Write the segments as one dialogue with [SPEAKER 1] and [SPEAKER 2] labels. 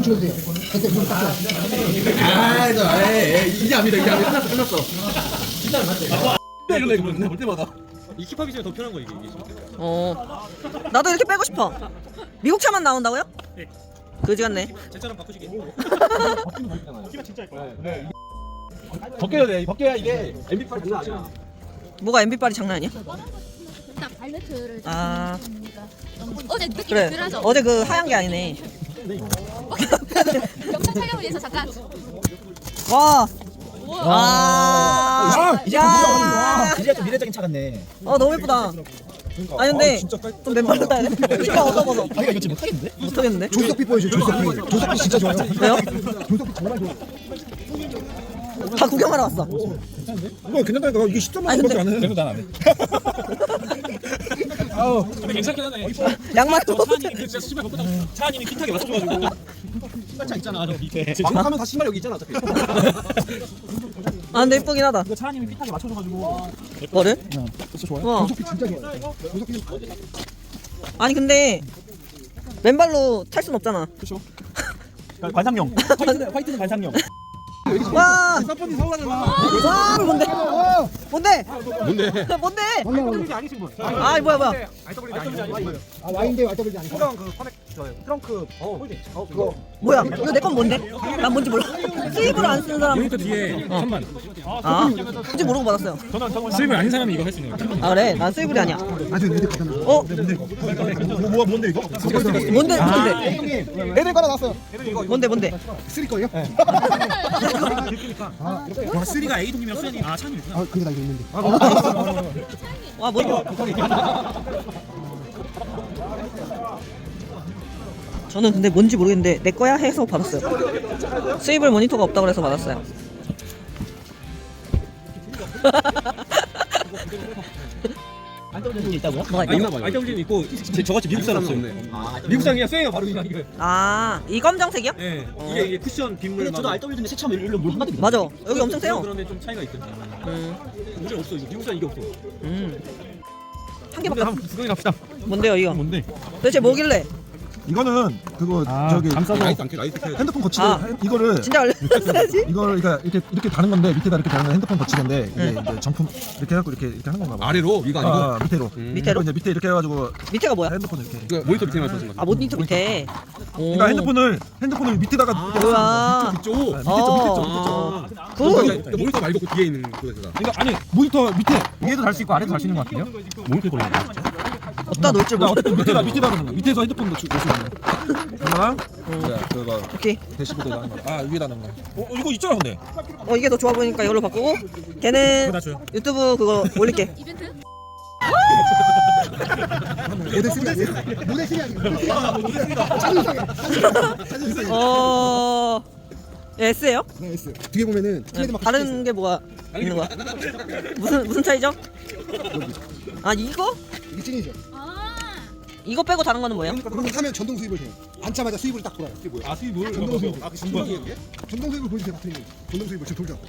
[SPEAKER 1] 좀 줘도 돼. 그때 좀 닦아.
[SPEAKER 2] 이제 압니다. 이제 압니다. 끝났어.
[SPEAKER 3] 진짜 맞지?
[SPEAKER 2] 이런다 이거 볼 때마다.
[SPEAKER 3] 이 힙합이 진짜 더 편한 거 이게.
[SPEAKER 4] 나도 이렇게 빼고 싶어. 미국 차만 나온다고요?
[SPEAKER 3] 네.
[SPEAKER 4] 그지 같네.
[SPEAKER 3] 제처럼 바꾸시기. 힙합 진짜 예뻐요.
[SPEAKER 2] 벗겨야 돼. 벗겨야 이게 MP8 장난 아니야.
[SPEAKER 4] 뭐가 MB8이 장난 아니야?
[SPEAKER 5] 딱 발레트를
[SPEAKER 4] 아.
[SPEAKER 5] 어제 느낌이
[SPEAKER 4] 그래.
[SPEAKER 5] 덜하죠?
[SPEAKER 4] 어제 그 하얀 게 아니네.
[SPEAKER 5] 영상 촬영을 위해서 잠깐
[SPEAKER 4] 와.
[SPEAKER 5] 우와.
[SPEAKER 4] 와. 야.
[SPEAKER 1] 이제 좀 미래적인 차 같네.
[SPEAKER 4] 너무 예쁘다. 아니 근데 좀 맨발로 타야 돼. 이거 얻어먹어.
[SPEAKER 1] 아 이거 지금 못하겠는데?
[SPEAKER 4] 못하겠는데?
[SPEAKER 1] 조석비 보여줘. 조석비. 조석비 진짜 좋아요.
[SPEAKER 4] 왜요?
[SPEAKER 1] 조석비 정말 좋아.
[SPEAKER 4] 다 구경하러 왔어.
[SPEAKER 1] 이거 괜찮다니까. 이게 10점
[SPEAKER 4] 아니,
[SPEAKER 1] 만밖에 안 해.
[SPEAKER 2] 그래도 난안 해.
[SPEAKER 3] 근데 괜찮긴 하네.
[SPEAKER 4] 양말도
[SPEAKER 3] 저 차님이 진짜 신발 벗고 차님이 핏하게 맞춰줘가지고. 신발차 있잖아 저 밑에.
[SPEAKER 2] 방하면 다 신발 여기 있잖아 어차피.
[SPEAKER 4] 아 근데 예쁘긴 하다.
[SPEAKER 3] 이거 차님이 핏하게 맞춰줘가지고.
[SPEAKER 4] 뭐를?
[SPEAKER 1] 진짜 좋아요.
[SPEAKER 4] 와.
[SPEAKER 1] 조석비 진짜 좋아요. 조석비
[SPEAKER 4] 아니 근데 맨발로 탈 순 없잖아.
[SPEAKER 3] 관상용. 화이트는 관상용.
[SPEAKER 4] 와.
[SPEAKER 2] 사건이 사오라잖아.
[SPEAKER 4] 와 뭔데? 뭔데?
[SPEAKER 2] 뭔데?
[SPEAKER 4] 뭔데?
[SPEAKER 3] RWD 아니신 분.
[SPEAKER 4] 아 뭐야 뭐야?
[SPEAKER 3] RWD 아니신 분.
[SPEAKER 1] 아 와인데 와이더블이 아니고.
[SPEAKER 3] 그냥 그 커넥 트렁크 홀딩.
[SPEAKER 1] 그거
[SPEAKER 4] 뭐야? 이거 내 건 뭔데? 난 뭔지 몰라. 수입을 안 쓰는 사람.
[SPEAKER 3] 여기부터 뒤에 천만.
[SPEAKER 4] 아 뭔지 모르고 받았어요.
[SPEAKER 3] 수입을 아닌 사람이 이거 할 수 있는 거야.
[SPEAKER 4] 아 그래? 난 수입이 아니야.
[SPEAKER 1] 아주 근데 가잖아.
[SPEAKER 4] 어?
[SPEAKER 1] 뭔데 이거?
[SPEAKER 4] 뭔데? 뭔데?
[SPEAKER 1] 애들 깔아 놨어요.
[SPEAKER 4] 뭔데?
[SPEAKER 1] 쓰리 거예요?
[SPEAKER 3] 와 쓰리가 A 동이면 수현이 아 찬이 있구나.
[SPEAKER 1] 아 그게 나 이거 있는데.
[SPEAKER 4] 와 뭐? 저는 근데 뭔지 모르겠는데 내 거야 해서 받았어요. 수입을 모니터가 없다고 해서 받았어요.
[SPEAKER 3] 알더블진 있다고요?
[SPEAKER 4] 뭐가 있다고?
[SPEAKER 3] 알더블진 있고 저같이 미국 사람 없네. 미국 사람이야 수행가 바로 그냥 이거.
[SPEAKER 4] 이 검정색이요?
[SPEAKER 3] 예. 이게 쿠션 빗물. 저도 알더블진데 세참 일로 물 한가득.
[SPEAKER 4] 맞아. 여기 엄청 세요.
[SPEAKER 3] 그러면 좀 차이가 있거든.
[SPEAKER 4] 음.
[SPEAKER 3] 문제 없어 이거. 미국 사람 이게 없어.
[SPEAKER 4] 한 개밖에 없어.
[SPEAKER 3] 구경해 갑시다.
[SPEAKER 4] 뭔데요 이거?
[SPEAKER 3] 뭔데?
[SPEAKER 4] 도대체 뭐길래?
[SPEAKER 1] 이거는 그거 저기
[SPEAKER 2] 라이트 안켜 라이트 켜.
[SPEAKER 1] 핸드폰 거치대 이거를
[SPEAKER 4] 진짜 알려줬어야지.
[SPEAKER 1] 이걸 그러니까 이렇게 다는 건데 밑에다 이렇게 다는 건 핸드폰 거치대인데 이게 이제 정품 이렇게 해갖고 이렇게 하는 건가 봐.
[SPEAKER 2] 아래로 위가 아니고.
[SPEAKER 1] 아 밑에로.
[SPEAKER 4] 밑에로?
[SPEAKER 1] 이제 밑에 이렇게 해가지고
[SPEAKER 4] 밑에가 뭐야?
[SPEAKER 1] 핸드폰을 이렇게.
[SPEAKER 2] 그 모니터 밑에만 써진 거.
[SPEAKER 4] 모니터 밑에. 오.
[SPEAKER 1] 그러니까 핸드폰을 밑에다가
[SPEAKER 4] 우와.
[SPEAKER 2] 밑쪽.
[SPEAKER 1] 밑에 쪽.
[SPEAKER 2] 아.
[SPEAKER 4] 굿.
[SPEAKER 2] 모니터 말고 그 뒤에 있는 그거잖아.
[SPEAKER 1] 그러니까 아니 모니터 밑에 위에도 달 수 있고 아래도 달 수 있는 것 같아요.
[SPEAKER 3] 모니터 걸리는 거.
[SPEAKER 4] 어디다 놓을 줄
[SPEAKER 1] 그러니까
[SPEAKER 4] 몰라.
[SPEAKER 1] 어쨌든 밑에다 그런 거. 밑에서 핸드폰 놓을 수 있는 거. 하나, 그거
[SPEAKER 4] 오케이.
[SPEAKER 1] 대시보드 하는 거. 아 위에다 하는 거. 이거 있잖아 근데.
[SPEAKER 4] 이게 더 좋아 보이니까 이걸로 바꾸고 걔는 유튜브 그거 올릴게.
[SPEAKER 5] 이벤트?
[SPEAKER 1] 모델 3 아니에요? 모델 3 아니에요? 차는
[SPEAKER 4] S예요?
[SPEAKER 1] 네, S. 뒤에 보면은 트레이드마크
[SPEAKER 4] 다른 게 뭐가 있는 거야? 무슨 차이죠? 아 이거?
[SPEAKER 1] 이게 찐이죠.
[SPEAKER 5] 아
[SPEAKER 4] 이거 빼고 다른 거는 뭐예요?
[SPEAKER 1] 그럼 사면 전동 수입을 해요. 앉자마자 수입을 딱 돌아요. 이게 뭐야?
[SPEAKER 2] 아 수입을.
[SPEAKER 1] 전동 수입.
[SPEAKER 2] 아 신기해.
[SPEAKER 1] 전동 수입을 보여주세요, 박태님. 전동 수입을 지금 돌죠.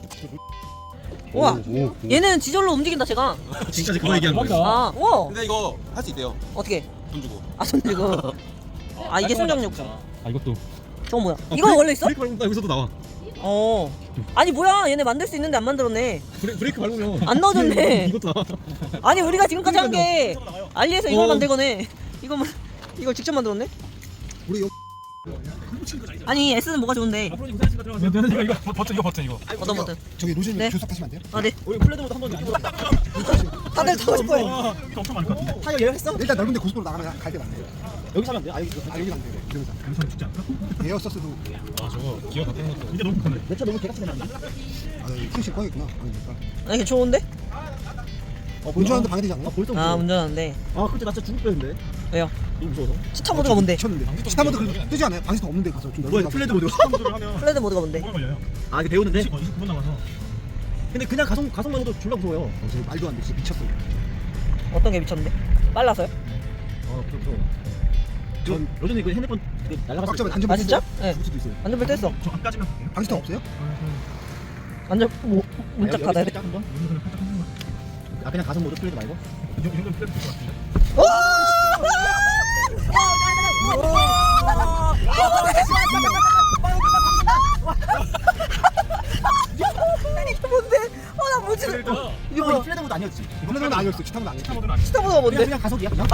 [SPEAKER 4] 우와 얘는 지절로 움직인다 제가.
[SPEAKER 3] 진짜 그거 얘기하는 거야.
[SPEAKER 4] 아 우와
[SPEAKER 2] 근데 이거 할 수 있대요.
[SPEAKER 4] 어떻게?
[SPEAKER 2] 돈 주고.
[SPEAKER 4] 손 들고. 이게 손정력.
[SPEAKER 3] 아 이것도.
[SPEAKER 4] 저거 뭐야? 이거 원래 있어?
[SPEAKER 3] 브레이크 밟으면 여기서도 나와.
[SPEAKER 4] 아니 뭐야 얘네 만들 수 있는데 안 만들었네.
[SPEAKER 3] 브레이크 밟으면
[SPEAKER 4] 안 넣어줬네.
[SPEAKER 3] 이것도 나와.
[SPEAKER 4] 아니 우리가 지금까지 한 게 알리에서 이걸 만들거네. 이걸 직접 만들었네?
[SPEAKER 1] 우리 여기
[SPEAKER 4] 아니 S는 뭐가 좋은데?
[SPEAKER 3] 앞으로 이거 들어가면 이거 버튼 이거.
[SPEAKER 4] 어떤 버튼?
[SPEAKER 1] 저기 로즈님
[SPEAKER 4] 네.
[SPEAKER 1] 교섭하시면 안 돼요?
[SPEAKER 4] 아 네.
[SPEAKER 3] 우리 플레드보다 한번
[SPEAKER 4] 다들 타고 싶어요.
[SPEAKER 3] 이거 엄청 많을 것 같은데. 타이어 예약했어?
[SPEAKER 1] 일단 넓은데 고속도로 나가면 갈 데가 안 돼요.
[SPEAKER 3] 여기 사면 안 돼? 아 여기
[SPEAKER 1] 여기가 안 돼요. 그러면서
[SPEAKER 3] 여기서 죽지 않을까?
[SPEAKER 1] 에어서스도
[SPEAKER 3] 아 저거 기어 바꾸는 것도 이제 너무 크네.
[SPEAKER 1] 내 차 너무 개같이 되면 안 돼. 택시 꺼야겠구나. 그러니까.
[SPEAKER 4] 아니 좋은데?
[SPEAKER 1] 운전하는데 방해되지 않아요?
[SPEAKER 4] 운전하는데.
[SPEAKER 3] 아 그때 나 진짜 죽을 뻔했는데.
[SPEAKER 4] 왜요?
[SPEAKER 3] 너무 무서워서.
[SPEAKER 4] 시타 모드가 뭔데?
[SPEAKER 1] 미쳤는데. 스타모드 그 뜨지 않아요? 방에서 없는데 가서 좀
[SPEAKER 3] 뭐야
[SPEAKER 1] 넓은
[SPEAKER 3] 플레드 모드 스타모드를 하면
[SPEAKER 4] 플레드 모드가 뭔데?
[SPEAKER 3] 걸려요. 아 이게 배우는데? 29분 남아서. 근데 그냥 가속만 해도 졸라 무서워요.
[SPEAKER 1] 말도 안 돼. 진짜 미쳤어요.
[SPEAKER 4] 어떤 게 미쳤는데? 빨라서요?
[SPEAKER 3] 무서워. 전 요즘에 그 핸드폰 날라갔을
[SPEAKER 1] 꽉 잡아
[SPEAKER 3] 때
[SPEAKER 1] 단점
[SPEAKER 4] 아 진짜? 네.
[SPEAKER 3] 죽을 수도 있어요.
[SPEAKER 4] 안전벨트 했어.
[SPEAKER 3] 저 앞까지만 볼게요.
[SPEAKER 1] 방스타 없어요?
[SPEAKER 4] 안전 문짝 닫아야 돼.
[SPEAKER 3] 한번. 아 그냥 가속 모드 플레드 말고? 이 정도면 플레드 될것 같은데.
[SPEAKER 4] 이게 뭔데? 나 뭐지?
[SPEAKER 3] 이거 뭐야? 플레드 모드 아니었지?
[SPEAKER 1] 플레드는 아니었어. 치타는 아니었어.
[SPEAKER 4] 스타보드가 뭔데?
[SPEAKER 3] 그냥 가속이야 그냥?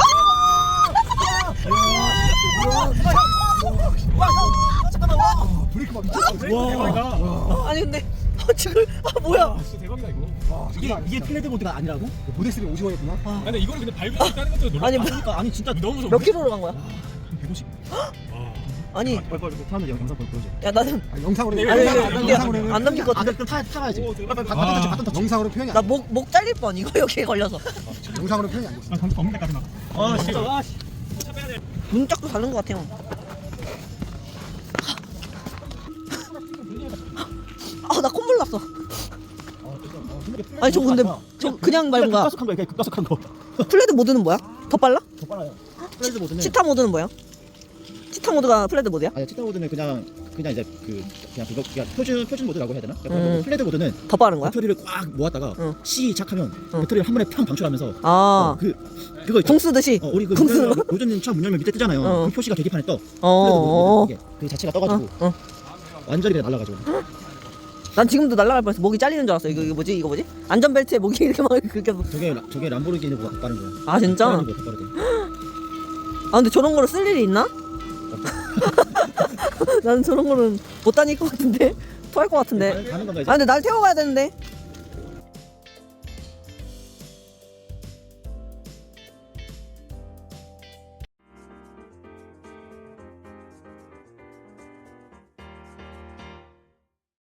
[SPEAKER 3] 잠깐만 와.
[SPEAKER 1] 브레이크 막 미쳤어.
[SPEAKER 2] 와.
[SPEAKER 4] 아니 근데 지금 뭐야?
[SPEAKER 2] 진짜 대박이다 이거.
[SPEAKER 3] 이게 플레드 모드가 아니라고?
[SPEAKER 1] 모데스가 오징어였구나.
[SPEAKER 2] 아, 근데 이거는 근데 밟을 수 있다는 것도 놀랍다.
[SPEAKER 4] 아니
[SPEAKER 3] 그러니까 아니 진짜
[SPEAKER 2] 너무 무서워.
[SPEAKER 4] 몇 킬로로 간 거야?
[SPEAKER 3] 150.
[SPEAKER 4] 아니
[SPEAKER 3] 빨리 사람들 영상 보여줘.
[SPEAKER 4] 야 나는
[SPEAKER 1] 영상으로 해.
[SPEAKER 4] 아니
[SPEAKER 1] 영상으로 해.
[SPEAKER 4] 안 남길 것
[SPEAKER 3] 아
[SPEAKER 4] 같아.
[SPEAKER 3] 그럼 타야지.
[SPEAKER 2] 아.
[SPEAKER 1] 영상으로 표현이 안
[SPEAKER 4] 나 목 잘릴 뻔 이거 여기에 걸려서.
[SPEAKER 1] 돼. 영상으로 표현이 안 돼.
[SPEAKER 2] 아, 감독 없는 데까지 나.
[SPEAKER 3] 아 진짜.
[SPEAKER 4] 문짝도 다른 것 같아요. 나 콧물 났어. 아니 저 근데 저 그냥 밟은 거야.
[SPEAKER 3] 급가속한 거야. 그냥 급가속한 거.
[SPEAKER 4] 플레드 모드는 뭐야? 더 빨라?
[SPEAKER 3] 더 빨라요. 플레드 모드는
[SPEAKER 4] 치타 모드는 뭐야? 치타 모드가 플레드 모드야?
[SPEAKER 3] 아니 치타 모드는 그냥 이제 그냥 그거 그냥 표준 모드라고 해야 되나? 플레드 모드는
[SPEAKER 4] 더 빠른 거야?
[SPEAKER 3] 배터리를 꽉 모았다가
[SPEAKER 4] 응.
[SPEAKER 3] 시작하면
[SPEAKER 4] 응.
[SPEAKER 3] 배터리를 한 번에 팡 방출하면서
[SPEAKER 4] 아,
[SPEAKER 3] 그거 있죠?
[SPEAKER 4] 공 쓰듯이.
[SPEAKER 3] 우리 그
[SPEAKER 4] 공 쓰는 거?
[SPEAKER 3] 요즘 차문 열면 밑에 뜨잖아요.
[SPEAKER 4] 어.
[SPEAKER 3] 그 표시가 계기판에 떠.
[SPEAKER 4] 어.
[SPEAKER 3] 플레드 모드 이게 그 자체가 떠가지고 완전히 그냥 날라가지고.
[SPEAKER 4] 난 지금도 날아갈 뻔했어. 목이 잘리는 줄 알았어. 이거 뭐지? 이거 뭐지? 안전벨트에 목이 이렇게 막 그렇게.
[SPEAKER 3] 저게 람보르기니보다 더 빠른 거야.
[SPEAKER 4] 아 진짜?
[SPEAKER 3] 페라리보다 더 빠르대.
[SPEAKER 4] 아 근데 저런 거를 쓸 일이 있나? 나는 저런 거는 못 다닐 것 같은데. 토할 것 같은데.
[SPEAKER 3] 가는 건가 이제?
[SPEAKER 4] 아 근데 날 태워가야 되는데.